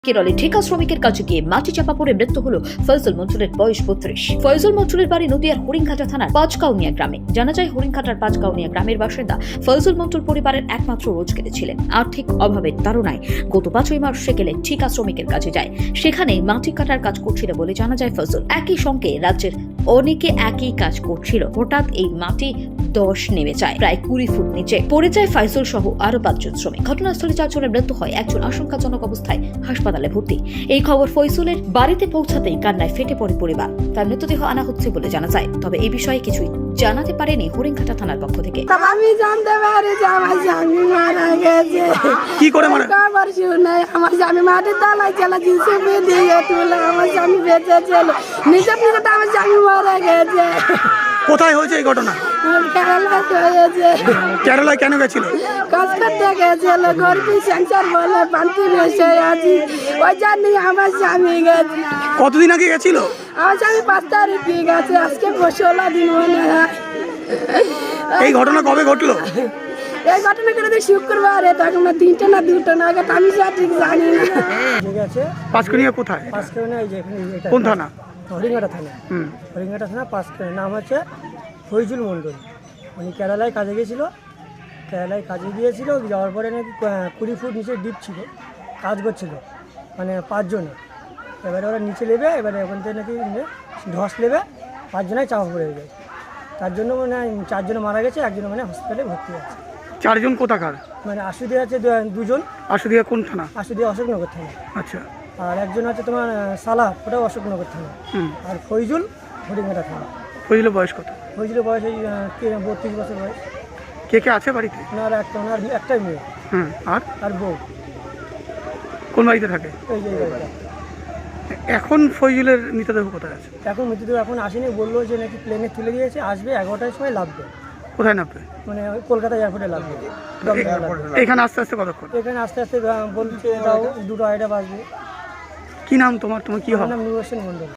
কেরলে ঠিকা শ্রমিকের কাছে গিয়ে মাটি চাপা পড়ে মৃত্যু হলো ফয়জুল মঞ্জুরের বয়স ৩২। ফয়জুল মঞ্জুরের বাড়ি নদিয়ার হরিণঘাটা থানার পাঁচকাউনিয়া গ্রামে। জানা যায় হরিণঘাটার পাঁচকাউনিয়া গ্রামের বাসিন্দা ফয়জুল মঞ্জুর পরিবারের একমাত্র রোজগারে ছিলেন। আর্থিক অভাবের তাড়নায় গত ৫ই মার্চ সেকেলে ঠিকা শ্রমিকের কাছে যায়। সেখানে মাটি কাটার কাজ করছিল বলে জানা যায় ফয়জুল। একই সঙ্গে রাজ্যের অনেকে একই কাজ করছিল। হঠাৎ এই মাটি ধস নেমে যায় প্রায় ২০ ফুট নিচে। পড়ে যায় ফয়জুল সহ আরো ৫ জন শ্রমিক। ঘটনাস্থলে ৪ জনের মৃত্যু হয়, একজন আশঙ্কাজনক অবস্থায় হাসপাতালে ভর্তি। এই খবর ফয়জুলের বাড়িতে পৌঁছাতেই কান্নায় ফেটে পড়ে পরিবার। তার মৃতদেহ আনা হচ্ছে বলে জানা যায়। তবে এই বিষয়ে কিছুই জানাতে পারেনি হরিণঘাটা থানার পক্ষ থেকে। আমি জানতে পারি যে আমার স্বামী মারা গেছে। কি করে মারা? খবর শুনে আমার স্বামী মাটির তলায় চলে গেছে, দিয়ে তুলে আমার স্বামী বেঁচে ছিল। নিজে নিজে আমার স্বামী মারা গেছে। কোথায় হয়েছে এই ঘটনা? কেরালাতে হয়েছে। কেরালায় কেন গেছিল? কাজ করতে গেছিল, গরিবী সংসার বলে পান্তি বসে আছি, ওই জন্যই আমার স্বামী গেছে। কতদিন আগে গেছিল? আমার স্বামী ৫ তারিখে গেছে, আজকে ১৬ দিন মনে হয়। এই ঘটনা কবে ঘটলো? এই ঘটনা করে শুক্রবার, তখন ৩টে না ২টো নাগাদ, আমি সঠিক জানি না। ঠিক আছে, পাঁচকুনিয়া কোথায়? পাঁচকাউনিয়া এই যে এখানে এটা কোন থানা? হরিণঘাটা থানা। হুম। হরিণঘাটা থানা পাঁচকাউনিয়া। নাম হচ্ছে ফয়জুল মণ্ডল। উনি কেরালায় কাজে গিয়েছিল। কেরালায় কাজে গিয়েছিল, যাওয়ার পরে নাকি ২০ ফুট নিচে ডিপ ছিল, কাজ করছিল, মানে ৫ জনে। এবারে ওরা নিচে নেবে, এবারে ওখান থেকে নাকি ধস নেবে, ৫ জনায় চাপা পড়ে যায়। তার জন্য মানে ৪ জনে মারা গেছে, একজন মানে হসপিটালে ভর্তি আছে। ৪ জন কোথাকার? মানে আশুদি আছে ২জন, আশুদিয়া কোন থানা? আশুদি অশোকনগর থানা। আচ্ছা। আর একজন আছে তোমার সালাহ, ওটাও অশোকনগর থানা। হুম। আর ফয়জুল হরিণঘাটা থানা। ফয়জুলের বয়স কত? ফয়জুলের বয়স এই ৩২ বছর বয়স। কে কে আছে বাড়িতে? ওনার একটাই মেয়ে হুম। আর বউ। কোন বাড়িতে থাকে? এই যে এই বাড়িটা। এখন ফয়জুলের মৃতদেহ কোথায় আছে? এখন মৃত্যুদেহ এখন আসেনি, বললো যে নাকি প্লেনে তুলে দিয়েছে, আসবে 11টার সময় লাভবে, কোথায় নামবে? মানে ওই কলকাতা এয়ারপোর্টে লাভবে, দমদমে লাভবে। এখানে আস্তে আস্তে কতক্ষণ? এখানে আস্তে আস্তে বলছে তাও 2টো আড়াইটা বাজবে। কি নাম তোমার? তোমার কি আমার হবে? নাম নুর হোসেন মণ্ডল।